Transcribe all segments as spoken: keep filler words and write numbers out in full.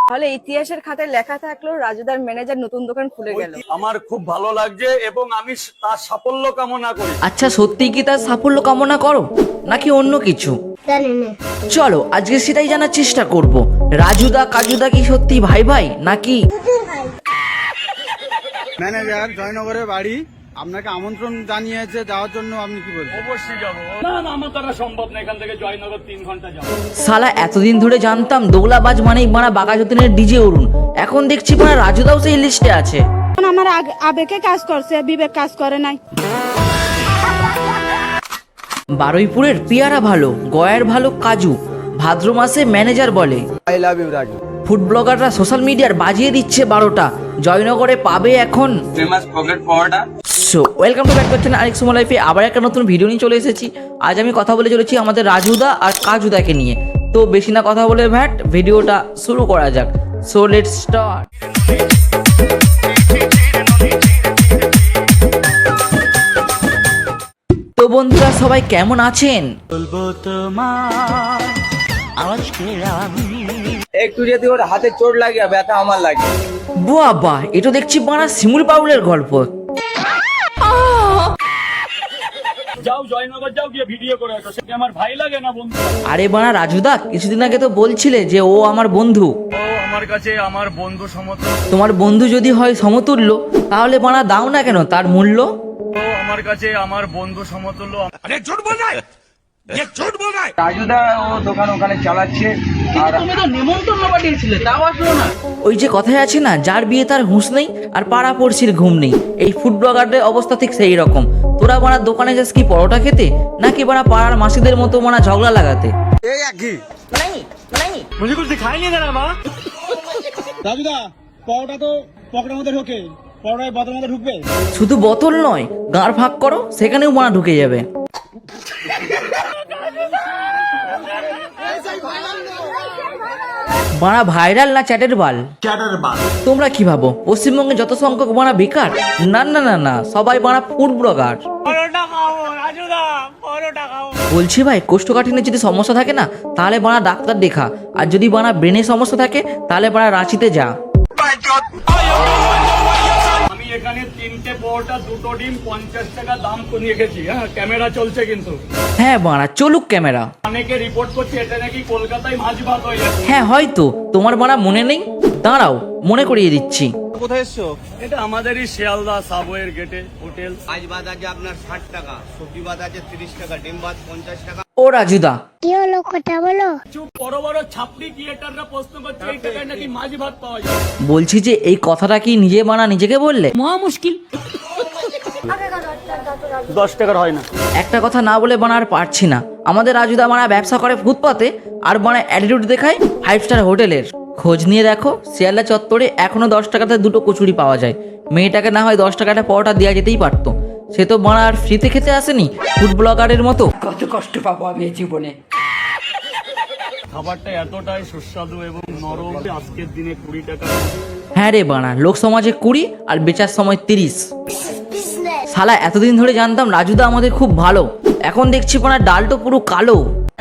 তাহলে ইতিহাসের খাতায় লেখা থাকলো রাজুদার ম্যানেজার নতুন দোকান খুলে গেল। আমার খুব ভালো লাগছে এবং আমি তার সাফল্য কামনা করি। আচ্ছা সত্যি কি তার সাফল্য কামনা করো নাকি অন্য কিছু? চলো আজকে সেটাই জানার চেষ্টা করব। রাজুদা কাজুদা কি সত্যি ভাই ভাই নাকি? ম্যানেজার জয়নগরের বাড়ি আপনাকে আমন্ত্রণ জানিয়েছে যাওয়ার জন্য, আপনি কি বলছেন? অবশ্যই যাবো। না না আমার দ্বারা সম্ভব না, এখান থেকে জয়নগর তিন ঘন্টা যাবো। সালা এতদিন ধরে জানতাম দোগলাবাজ মানেই মারা বাঘা যতীনের ডিজে অরুণ, এখন দেখছি মারা রাজুদাও সেই লিস্টে আছে। আমার আবেগে কাজ করছে, বিবেক কাজ করে নাই। বারুইপুরের পেয়ারা ভালো, গয়ার ভালো কাজু, ভাদ্র মাসে ম্যানেজার বলে I love you Raju. Food ব্লগাররা সোশ্যাল মিডিয়ার বাজিয়ে দিচ্ছে বারোটা, জয়নগরে পাবে এখন ফেমাস পকেট পাওয়াটা। সো ওয়েলকাম টু ব্যাক করছেন আরেক সময় লাইফে, আবার একটা নতুন ভিডিও নিয়ে চলে এসেছি। আজ আমি কথা বলে চলেছি আমাদের রাজুদা আর কাজুদাকে নিয়ে। তো বেশি না কথা বলে ভ্যাট ভিডিওটা শুরু করা যাক। So let's start. তো বন্ধুরা সবাই কেমন আছেন? একটু যদি ওর হাতে চোট লাগে ব্যথা আমার লাগে। বাবা এটা দেখছি বানা শিমুল পাউলের গল্প। যাও জয়নগর যাও, গিয়ে ভিডিও করে আসো। সে কি আমার ভাই লাগে না বন্ধু? আরে বানা রাজুদা কিছুদিন আগে তো বলছিলে যে ও আমার বন্ধু। ও আমার কাছে আমার বন্ধু সমতুল্য। তোমার বন্ধু যদি হয় সমতুল্য তাহলে বানা দাও না কেন তার মূল্য? ও আমার কাছে আমার বন্ধু সমতুল্য। আরে ঝুট বল না, ये झूठ बोल रहा है। রাজুদা ও দোকান ওখানে চালাচ্ছে আর তুমি তো নিমন্ত্রণ পাঠিয়েছিলে তাও আসলো না। ওই যে কথায় আছে না, যার বিয়ে তার হুঁশ নেই আর পাড়া পড়শির ঘুম নেই। এই ফুড ব্লগারদের অবস্থা ঠিক সেই রকম। তোরা বানা দোকানে যাস কি পরোটা খেতে নাকি বানা পাড়ার মাসিদের মতো বানা ঝগড়া লাগাতে? এই একই मुझे कुछ दिखाई नहीं दे रहा माँ। রাজুদা পাওটা তো পকেটের মধ্যে ঢোকে, পড়ায় বোতলের মধ্যে ঢুকবে। শুধু বোতল নয়, গাঁড় ফাঁক করো সেখানেও বানা ঢুকে যাবে। বানা ভাইরাল না চ্যাটের বাল? তোমরা কি ভাবো পশ্চিমবঙ্গে যত সংখ্যক বানা বেকার? না না না না, সবাই বানা ফুড ব্লগার। বলছি ভাই কোষ্ঠকাঠিন্যের যদি সমস্যা থাকে না তাহলে বানা ডাক্তার দেখা, আর যদি বানা ব্রেনের সমস্যা থাকে তাহলে বানা রাঁচিতে যা। আমি এখানে তিনটে পরোটা দুটো ডিম পঞ্চাশ টাকা দাম নিয়ে গেছি। হ্যাঁ ক্যামেরা চলছে কিন্তু। হ্যাঁ বানা চলুক ক্যামেরা। অনেকে রিপোর্ট করছে এটা নাকি কলকাতায় মাছ ভাত হয়ে যাচ্ছে। হ্যাঁ হয়তো তোমার বানা মনে নেই, দাঁড়াও মনে করিয়ে দিচ্ছি। কোথায় এসছো? এটা আমাদেরই শিয়ালদা সাবওয়ের গেটে হোটেল। মাছ ভাত আছে আপনার ষাট টাকা, সবজি ভাত আছে তিরিশ টাকা, ডিম ভাত পঞ্চাশ টাকা। ও রাজুদা কি হলো কথা বলো? চুপ, বড় বড় ছাপড়ি ক্রিয়েটাররা প্রশ্ন করছে এই টাকায় নাকি মাছ ভাত পাওয়া যায়। বলছি যে এই কথাটা কি নিজে বানা নিজেকে বললে? মহা মুশকিল। দশ টাকার হয় না। একটা কথা না বলে বানা আর পারছি না। আমাদের রাজুদা বানা ব্যবসা করে ফুটপাতে আর বানা অ্যাটিটিউড দেখায় ফাইভ স্টার হোটেলের। খোঁজ নিয়ে দেখো শিয়ালদা চত্বরে এখনো দশ টাকাতে দুটো কচুরি পাওয়া যায়। মেয়েটাকে না হয় দশ টাকাটা পরোটা দেওয়া যেতেই পারতো। সে তো বানা আর ফ্রিতে খেতে আসেনি ফুড ব্লগারের মতো। কত কষ্ট পাবো আমি এই জীবনে। খাবারটা এতটাই সুস্বাদু এবং নরম, আজকের দিনে কুড়ি টাকা। হ্যাঁ রে বানা, লোক সমাজে কুড়ি আর বেচার সময় তিরিশ। শালা এতদিন ধরে জানতাম রাজুদা আমাদের খুব ভালো, এখন দেখছি বানা ডাল তো পুরো কালো।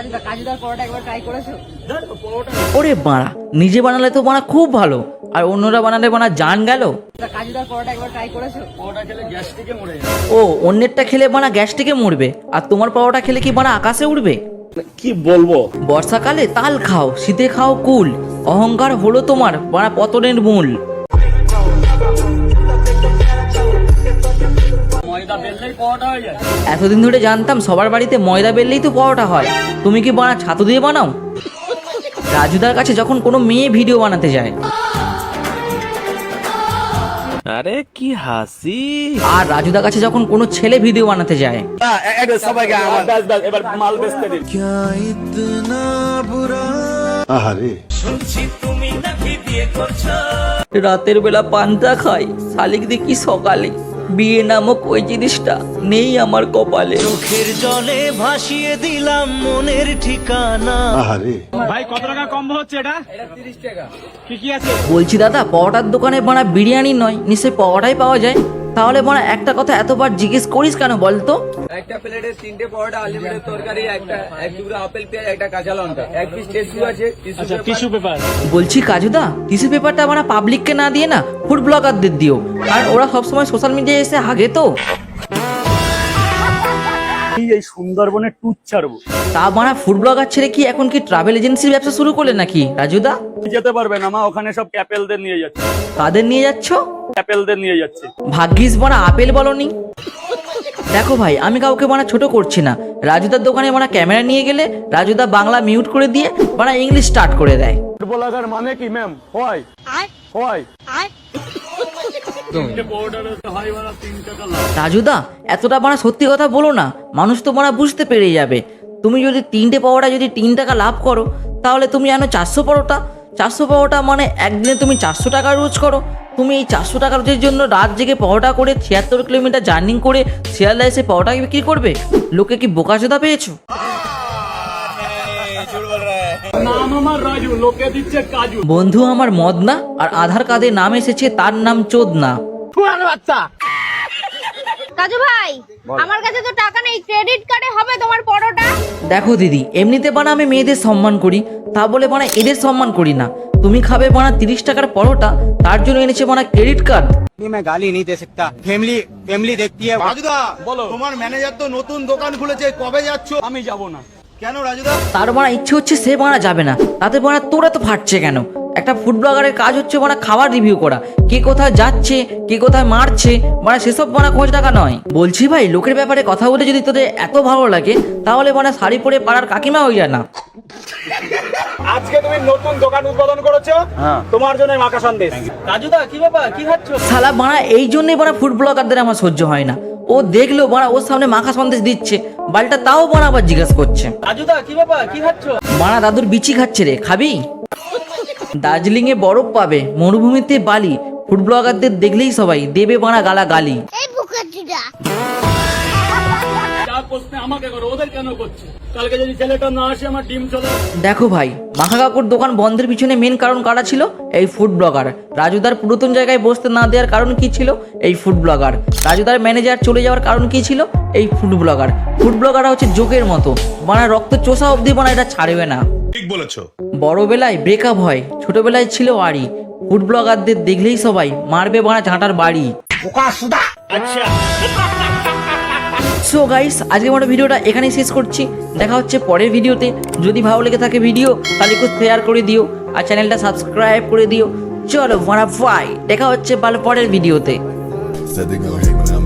ওরে বাড়া, নিজে বানালে তো বানা খুব ভালো আর অন্যরা বানালে বানা জান গেল। পরোটা খেলে গ্যাস থেকে মরে যায়। ও অন্যেরটা খেলে বানা গ্যাস থেকে মরবে আর তোমার পাওয়াটা খেলে কি বানা আকাশে উঠবে? কি বলবো? বর্ষাকালে তাল খাও, শীতে খাও কুল, অহংকার হলো তোমার বানা পতনের মূল। ময়দা বেললেই পরোটা হয়ে যায়। এতদিন ধরে জানতাম সবার বাড়িতে ময়দা বেললেই তো পরোটা হয়। তুমি কি বানা ছাতু দিয়ে বানাও? রাজুদার কাছে যখন কোনো মেয়ে ভিডিও বানাতে যায়, আরে কি হাসি, আর রাজুদার কাছে যখন কোনো ছেলে ভিডিও বানাতে যায়, সবাইকে ব্যাস ব্যাস এবার মাল বেচতে দিন। রাতের বেলা পান্তা খাই, শালিক দেখি সকালে, বিয়ে নামক ওই জিনিসটা নেই আমার কপালে। চোখের জলে ভাসিয়ে দিলাম মনের ঠিকানা। ভাই কত টাকা কম হচ্ছে এটা? তিরিশ টাকা। কি কি আছে? বলছি দাদা পরোটার দোকানে বানা বিরিয়ানি নয় নিশ্চয়ই পরোটাই পাওয়া যায়? তাহলে বানা একটা কথা এতবার জিজ্ঞেস করিস কেন বলতো? একটা প্লেটে তিনটে পরোটা আনলিমিটেড তরকারি একটা এক টুকরো আপেল পেঁয়াজ একটা কাঁচা লঙ্কা এক পিস টিস্যু আছে আচ্ছা টিস্যু পেপার। বলছি কাজুদা টিস্যু পেপারটা আমরা পাবলিককে না দিয়ে না ফুড ব্লগারদের দিও, আর ওরা সবসময় সোশ্যাল মিডিয়ায় এসে হাগে তো। এই সুন্দরবনের ট্যুর ছাড়বো। তা মানে ফুড ব্লগার ছেড়ে কি এখন কি ট্রাভেল এজেন্সির ব্যবসা শুরু করলে নাকি রাজুদা? যেতে পারবে না মা, ওখানে সব ক্যাপেলদের নিয়ে যাচ্ছে। কাদের নিয়ে যাচ্ছ? ক্যাপেলদের নিয়ে যাচ্ছে। ভাগ্যিস বনা আপেল বলনি। দেখো ভাই আমি কাউকে বানা ছোট করছি না, রাজুদার দোকানে বানা ক্যামেরা নিয়ে গেলে রাজুদা বাংলা মিউট করে দিয়ে বানা ইংলিশ স্টার্ট করে দেয়। ফুড ব্লগার মানে কি ম্যাম? হয় হয় তিনটে পরোটা হয় বানা তিন টাকা লাভ। রাজুদা এতটা বানা সত্যি কথা বলো না, মানুষ তো বানা বুঝতে পেরে যাবে। তুমি যদি তিনটে পরোটা যদি তিন টাকা লাভ করো তাহলে তুমি জানো চারশো পরোটা চারশো পরোটা মানে একদিনে তুমি চারশো টাকা রোজ করো। তুমি এই চারশো টাকা রোজের জন্য রাত জেগে পরোটা করে ছিয়াত্তর কিলোমিটার জার্নি করে শিয়ালদা এসে পরোটা বিক্রি করবে? লোকে কি বোকাচোদা পেয়েছো? নাম আমার রাজু, লোকে দিচ্ছে কাজু। বন্ধু আমার মদনা, আর আধার কার্ডে নাম এসেছে তার নাম চোদনা। কাজু ভাই, আমার কাছে তো টাকা নেই, ক্রেডিট কার্ডে হবে তোমার পরোটা? দেখো দিদি, এমনিতে বানা আমি মেয়েদের সম্মান করি, তা বলে বানা এদের সম্মান করি না। তুমি খাবে বানা তিরিশ টাকার পরোটা, তার জন্য এনেছে বানা ক্রেডিট কার্ড। मैं गाली नहीं दे सकता, फैमिली फैमिली देखती है। রাজুদা বলো। তোমার ম্যানেজার তো নতুন দোকান খুলেছে, কবে যাচ্ছ? আমি যাব না। কেন রাজুদা? তার বানা ইচ্ছে হচ্ছে সে বানা যাবে না, তাতে বানা তোরা তো ফাটছে কেন? একটা ফুড ব্লগারের কাজ হচ্ছে বানা খাবার রিভিউ করা, কে কোথায় যাচ্ছে কে কোথায় মারছে বানা সেসব বানা খোঁজ টাকা নয়। বলছি ভাই, লোকের ব্যাপারে কথা বলে যদি তোদের এত ভালো লাগে তাহলে বানা শাড়ি পরে পাড়ার কাকিমা হয়ে যায় না। আজকে তুমি নতুন দোকান উদ্বোধন করেছো, তোমার জন্য মাখা সন্দেশ। রাজুদা কি ব্যাপার, কি খাচ্ছ? শালা বানা এই জন্যই বানা ফুড ব্লগারদের আমার সহ্য হয় না। ও দেখলো বানা ওর সামনে মাখা সন্দেশ দিচ্ছে, বালটা তাও বানা আবার জিজ্ঞাসা করছে রাজুদা কি ব্যাপার, কি খাচ্ছ? বানা দাদুর বিচি খাচ্ছে রে, খাবি? দার্জিলিং এ বরফ পাবে, মরুভূমিতে বালি, ফুড ব্লগারদের দেখলেই সবাই দেবে বানা গালা গালি। যা প্রশ্ন আমাকে করো, ওদের কেন করছে? কালকে যদি ছেলেটা না আসে আমার ডিম চলে। দেখো ভাই, মাখা কাকুর দোকান বন্ধের পিছনে মেন কারণ কারা ছিল? এই ফুড ব্লগার। রাজুদার পুরাতন জায়গায় বসতে না দেওয়ার কারণ কি ছিল? এই ফুড ব্লগার। রাজুদার ম্যানেজার চলে যাওয়ার কারণ কি ছিল? এই ফুড ব্লগার। ফুড ব্লগাররা হচ্ছে জোকের মতো, বানা রক্ত চোষা অবধি বানা এটা ছাড়বে না। ঠিক বলেছো। বড়বেলায় ব্রেকআপ হয়, ছোটবেলায় ছিল আড়ি, ফুড ব্লগারদের দেখলেই সবাই মারবে বানা ঝাঁটার বাড়ি। সো গাইস, আজকে আমার ভিডিওটা এখানেই শেষ করছি। দেখা হচ্ছে পরের ভিডিওতে। যদি ভালো লেগে থাকে ভিডিও তাহলে একটু শেয়ার করে দিও আর চ্যানেলটা সাবস্ক্রাইব করে দিও। চলো বানা ফাই, দেখা হচ্ছে ভালো পরের ভিডিওতে। Said they gonna hate when I'm